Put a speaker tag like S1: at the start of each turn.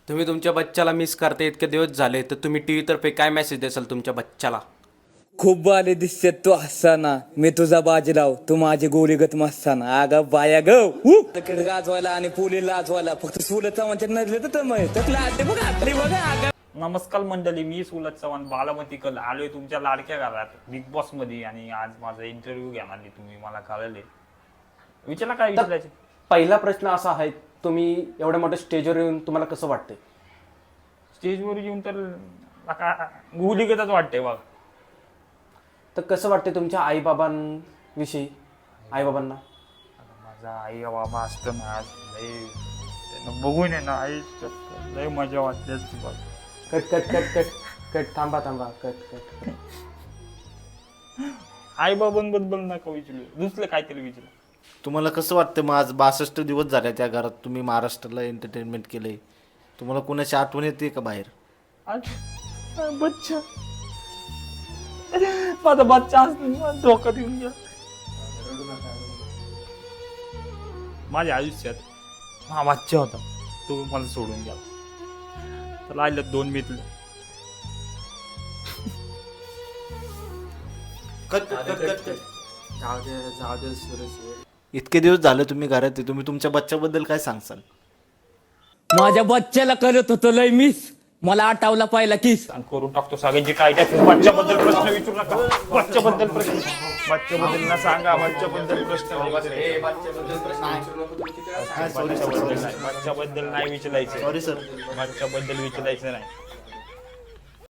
S1: तुम्ही तुमच्या बच्चाला मिस करता इतके दिवस झाले तर तुम्ही टीव्ही तर्फे काय मेसेज द्याल तुमच्या बच्चाला?
S2: खूप बाले दिसत तू हसताना, मी तुझा बाजीराव, तू माझी गोलीगत मस्ताना. अगं बाया गड गाजवायला आणि पोली लाजवायला फक्त सुलचा म्हणतात नजले तर बघा.
S3: नमस्कार मंडळी, मी सुलत चव्हाण बालामती कल आलोय तुमच्या लाडक्या घरात बिग बॉस मध्ये. आणि आज माझा इंटरव्ह्यू घेणार नाही तुम्ही, मला कळले. विचारा काय विचारायचे.
S1: पहिला प्रश्न असा आहे, तुम्ही एवढ्या मोठ्या स्टेजवर येऊन तुम्हाला कसं वाटतंय?
S3: स्टेजवर येऊन तर गुलीगतच वाटते बघ.
S1: तर कसं वाटतंय तुमच्या आईबाबांविषयी? आईबाबांना
S3: माझा आई बाबा असतं ना, लय त्यांना बघून आहे ना आई लय मजा वाटते असती बघ.
S1: Cut cut cut cut cut थांबा कट कट.
S3: आई बाबांबद्दल नका विचारू, दुसरं काहीतरी विचारू.
S4: तुम्हाला कसं वाटतं? मग आज 62 दिवस झाले त्या घरात, तुम्ही महाराष्ट्राला एंटरटेनमेंट केलंय. तुम्हाला कोणाची आठवण येते का बाहेर?
S3: आज बच्चा, माझा बच्चा असतो धोक्यात येऊन गेला. माझ्या आयुष्यात हा बच्चा होता, तो मला सोडून गेला. तर राहिलं 2 मित्र.
S1: जाऊ दे सुरेश.
S4: इतके दिवस झाले तुम्ही घरात आहे, तुम्ही तुमच्या बच्च्याबद्दल काय सांगसाल?
S2: माझ्या बच्च्याला करत होतो लय मिस, मला आठवला पाहिला किस.
S3: करून टाकतो सगळ्यांची काय त्या बच्च्याबद्दल प्रश्न विचारू नका. बच्च्याबद्दल ना सांगा, बच्च्याबद्दल प्रश्न बच्च्याबद्दल नाही विचारायचं.
S4: Sorry sir.
S3: बच्च्याबद्दल नाही विचारायचं.
S4: Sorry sir.
S3: बच्च्याबद्दल विचारायचं नाही.